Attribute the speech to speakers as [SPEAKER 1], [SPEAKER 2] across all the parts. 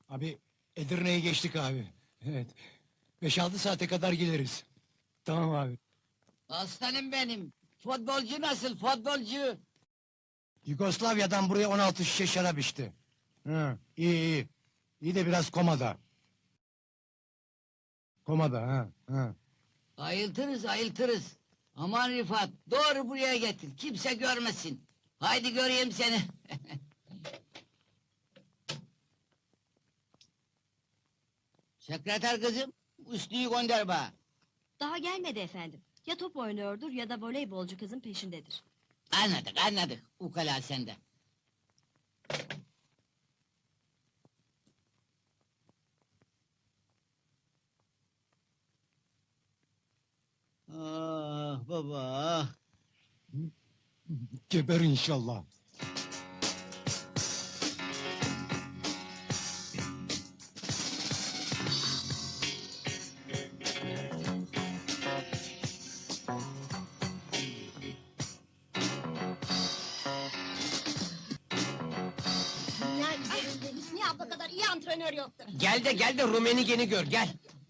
[SPEAKER 1] Abi Edirne'yi geçtik abi. Evet. 5-6 saate kadar geliriz. Tamam abi.
[SPEAKER 2] Aslanım benim. Futbolcu nasıl futbolcu?
[SPEAKER 1] Yugoslavya'dan buraya 16 şişe şarap içti. Hı, iyi iyi. İyi de biraz komada. Komada ha. Ha.
[SPEAKER 2] Ayıltırız ayıltırız. Aman Rifat doğru buraya getir. Kimse görmesin. Haydi göreyim seni. Sekreter kızım, üstüyü gönder bana.
[SPEAKER 3] Daha gelmedi efendim. Ya top oynuyordur ya da voleybolcu kızın peşindedir.
[SPEAKER 2] Anladık anladık. Ukala sende. Ah baba ah.
[SPEAKER 1] Geber inşallah.
[SPEAKER 4] Dünya üzerinde Hüsniye abla kadar iyi antrenör yoktur.
[SPEAKER 5] Gel de Rumenigen'i gör, gel!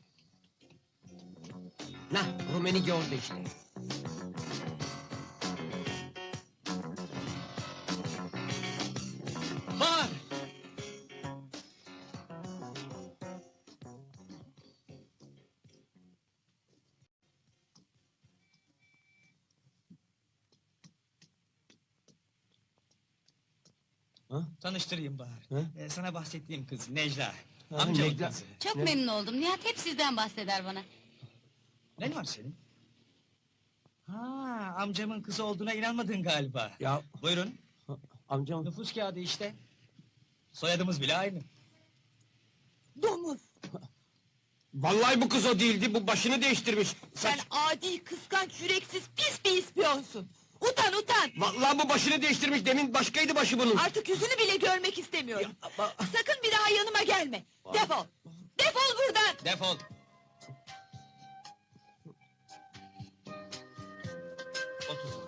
[SPEAKER 5] Nah, Rumenige orada işte.
[SPEAKER 2] Bağır!
[SPEAKER 6] Tanıştırayım Bahar.
[SPEAKER 5] Hı?
[SPEAKER 6] Sana bahsettiğim kız Necla.
[SPEAKER 5] Ha,
[SPEAKER 6] Amcamın
[SPEAKER 5] Necla.
[SPEAKER 6] kızı.
[SPEAKER 3] Çok
[SPEAKER 5] Ne?
[SPEAKER 3] memnun oldum. Nihat hep sizden bahseder bana.
[SPEAKER 6] Ne var senin? Ha, amcamın kızı olduğuna inanmadın galiba.
[SPEAKER 5] Ya,
[SPEAKER 6] Buyurun,
[SPEAKER 5] amcam...
[SPEAKER 6] nüfus kağıdı işte. Soyadımız bile aynı.
[SPEAKER 7] Domuz!
[SPEAKER 5] Vallahi bu kız o değildi, bu başını değiştirmiş.
[SPEAKER 7] Sen adi, kıskanç, yüreksiz, pis bir ispiyonsun! Utan, utan!
[SPEAKER 5] Vallahi bu başını değiştirmiş, demin başkaydı başı bunun.
[SPEAKER 7] Artık yüzünü bile görmek istemiyorum!
[SPEAKER 5] Ama-
[SPEAKER 7] Sakın bir daha yanıma gelme! Defol! Defol buradan!
[SPEAKER 6] Defol! Otur.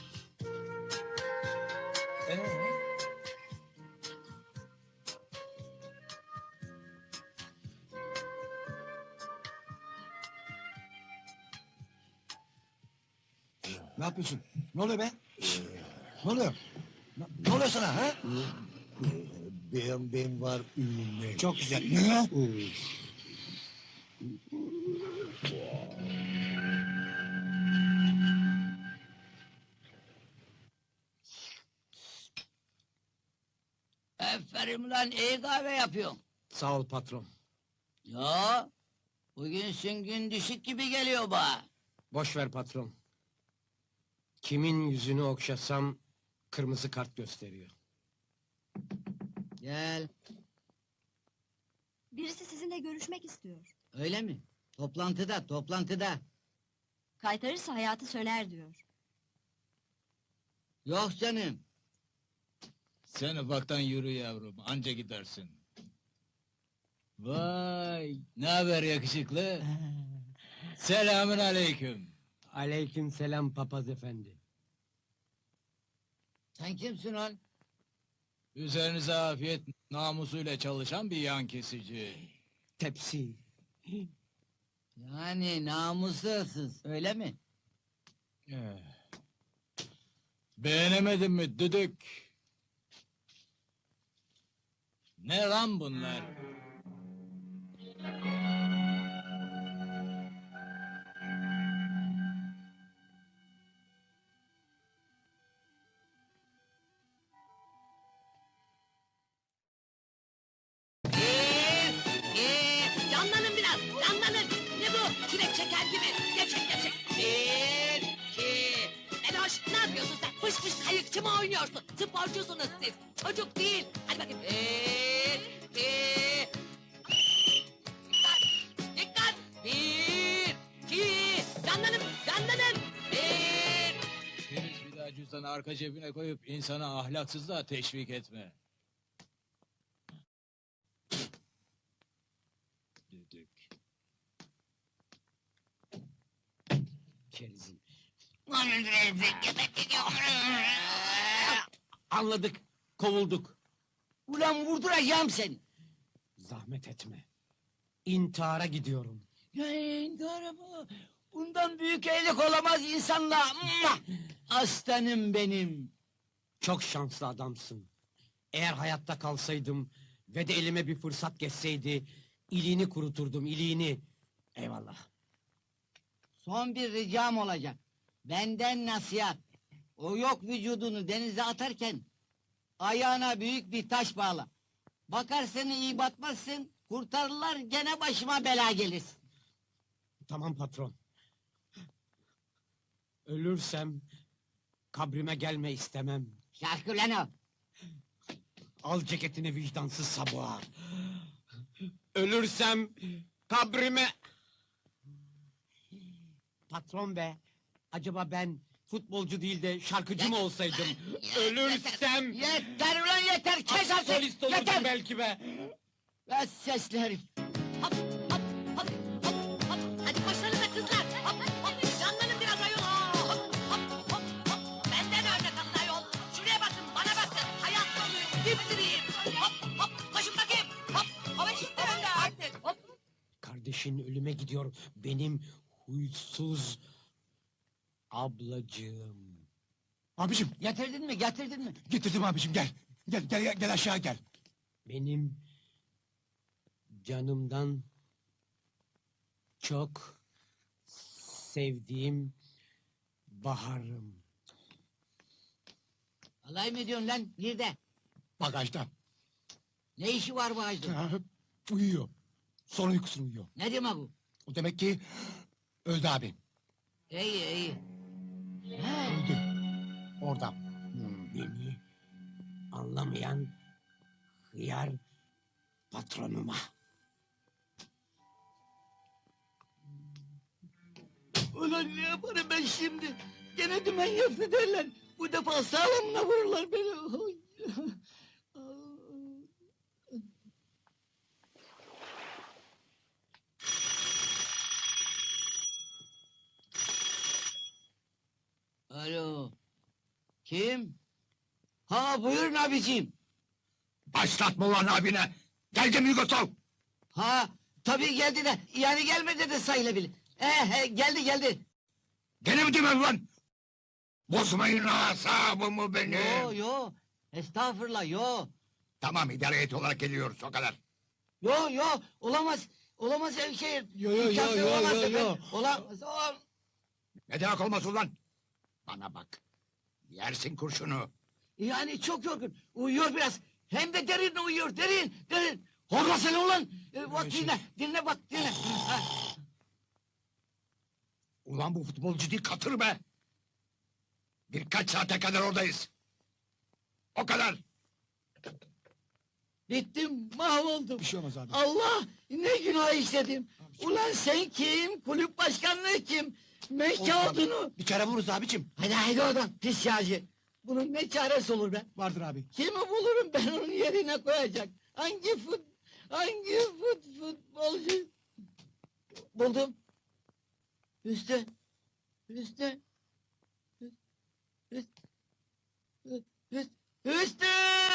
[SPEAKER 1] Ne yapıyorsun? Ne oluyor be? Ne oluyor? Ne oluyor sana ha?
[SPEAKER 8] Ben var ünlü.
[SPEAKER 1] Çok güzel. Ne?
[SPEAKER 2] Aferin lan iyi kahve yapıyorsun.
[SPEAKER 5] Sağ ol patron.
[SPEAKER 2] Ya bugün gün düşük gibi geliyor bana.
[SPEAKER 5] Boş ver patron. Kimin yüzünü okşasam kırmızı kart gösteriyor.
[SPEAKER 2] Gel.
[SPEAKER 3] Birisi sizinle görüşmek istiyor.
[SPEAKER 2] Öyle mi? Toplantıda.
[SPEAKER 3] Kaytarırsa hayatı söner diyor.
[SPEAKER 2] Yok canım.
[SPEAKER 9] Sen ufaktan yürü yavrum, anca gidersin. Vay, ne haber yakışıklı? Selamün aleyküm.
[SPEAKER 5] Aleyküm selam papaz efendi.
[SPEAKER 2] Sen kimsin lan?
[SPEAKER 9] Üzerinize afiyet, namusuyla çalışan bir yan kesici.
[SPEAKER 5] Tepsi.
[SPEAKER 2] Yani namussuz öyle mi?
[SPEAKER 9] Eh. Beğenemedin mi düdük? Ne lan bunlar?
[SPEAKER 7] Canlanın biraz, canlanın! Ne bu? Çilek çeker gibi! Gevşek! Bir, iki... Meloş, ne yapıyorsun sen? Fış fış kayıkçı mı oynuyorsun? Sporcusunuz siz, çocuk değil! Hadi bakayım, bir, iki... Dikkat! Bir, iki... Canlanın! Bir...
[SPEAKER 9] Deniz bir daha cüzdanı arka cebine koyup insana ahlaksızlığa teşvik etme. Düdük.
[SPEAKER 5] Kerizim. Anladık, kovulduk.
[SPEAKER 2] Ulan vurduracağım seni.
[SPEAKER 1] Zahmet etme. İntihara gidiyorum.
[SPEAKER 2] Doğru mu? Bundan büyük iyilik olamaz insanla. Aslanım benim.
[SPEAKER 1] Çok şanslı adamsın. Eğer hayatta kalsaydım ve de elime bir fırsat geçseydi... ...iliğini kuruturdum, iliğini. Eyvallah.
[SPEAKER 2] Son bir ricam olacak. Benden nasihat. O yok vücudunu denize atarken... ...ayağına büyük bir taş bağla. Bakarsın iyi batmazsın... ...kurtarırlar gene başıma bela gelir.
[SPEAKER 1] Tamam patron. Ölürsem... ...kabrime gelme istemem.
[SPEAKER 2] Şarkı lan o.
[SPEAKER 1] Al ceketini vicdansız sabuğa. Ölürsem... ...kabrime... Patron be... ...acaba ben... ...futbolcu değil de şarkıcı mı olsaydım? Ölürsem...
[SPEAKER 2] Yeter ulan yeter kes artık!
[SPEAKER 1] Solist olurdum
[SPEAKER 2] Yeter!
[SPEAKER 1] belki be.
[SPEAKER 2] Ve sesli herif!
[SPEAKER 7] Hop hop hop hop hop. Hadi koşsanıza kızlar. Hop hop. Canlanın biraz ayol. Hop hop hop hop. Benden örnek alın ayol. Şuraya bakın bana bakın. Hayat doluyum. Dipdiriyim. Hop hop. Koşun bakayım. Hop hop. Şimdi önde artık. Hop.
[SPEAKER 1] Kardeşin ölüme gidiyor. Benim huysuz... ...ablacığım.
[SPEAKER 8] Abicim
[SPEAKER 2] Getirdin mi getirdin mi?
[SPEAKER 8] getirdim abicim gel. Gel aşağı gel.
[SPEAKER 1] Benim... ...canımdan... ...çok... ...sevdiğim... ...baharım.
[SPEAKER 2] Alay mı ediyorsun lan? Nerede?
[SPEAKER 8] Bagajda.
[SPEAKER 2] Ne işi var bu ağacın?
[SPEAKER 8] Ha, uyuyor. Son uykusunu uyuyor.
[SPEAKER 2] Ne demek bu?
[SPEAKER 8] O demek ki... ...öldü abi.
[SPEAKER 2] İyi iyi. Ha,
[SPEAKER 8] Öldü. Orada.
[SPEAKER 1] Beni... ...anlamayan... ...hıyar... ...patronuma.
[SPEAKER 2] ulan ne yaparım ben şimdi? Gene dümen yaptı derler. Bu defa sağlamına vururlar beni. Oy. Alo. Kim? Ha buyurun abiciğim.
[SPEAKER 8] Başlatma ulan abine. Geldi mi Yugosol?
[SPEAKER 2] Ha tabii geldi de yani gelmedi de sayılabilir. Geldi.
[SPEAKER 8] Gene mi demem ulan? Bozmayın asabımı benim.
[SPEAKER 2] Yo. Estağfurullah yo.
[SPEAKER 8] Tamam idare heyeti olarak geliyoruz o kadar.
[SPEAKER 2] Yo olamaz. Olamaz Evşehir.
[SPEAKER 1] Yo.
[SPEAKER 2] Olamaz efendim. Olamaz.
[SPEAKER 8] Ne demek olmaz ulan? Bana bak. Yersin kurşunu.
[SPEAKER 2] Yani çok yorgun. Uyuyor biraz. Hem de derin uyuyor. Derin. Horlasana ulan. Bak dinle bak dinle. Ha.
[SPEAKER 8] Ulan bu futbolcu değil katır be. Birkaç saate kadar oradayız. O kadar.
[SPEAKER 2] Bittim mahvoldum.
[SPEAKER 8] Bir şey olmaz abi.
[SPEAKER 2] Allah ne günah işledim. Ulan sen kim? Kulüp başkanlığı kim? Mekkâdını.
[SPEAKER 8] Bir kere vururuz abicim.
[SPEAKER 2] Hadi oradan pis yağcı. Bunun ne çaresi olur be?
[SPEAKER 8] Vardır abi.
[SPEAKER 2] Kimi bulurum ben onun yerine koyacak? Hangi futbolcu? Buldum. Üstü. Üstü.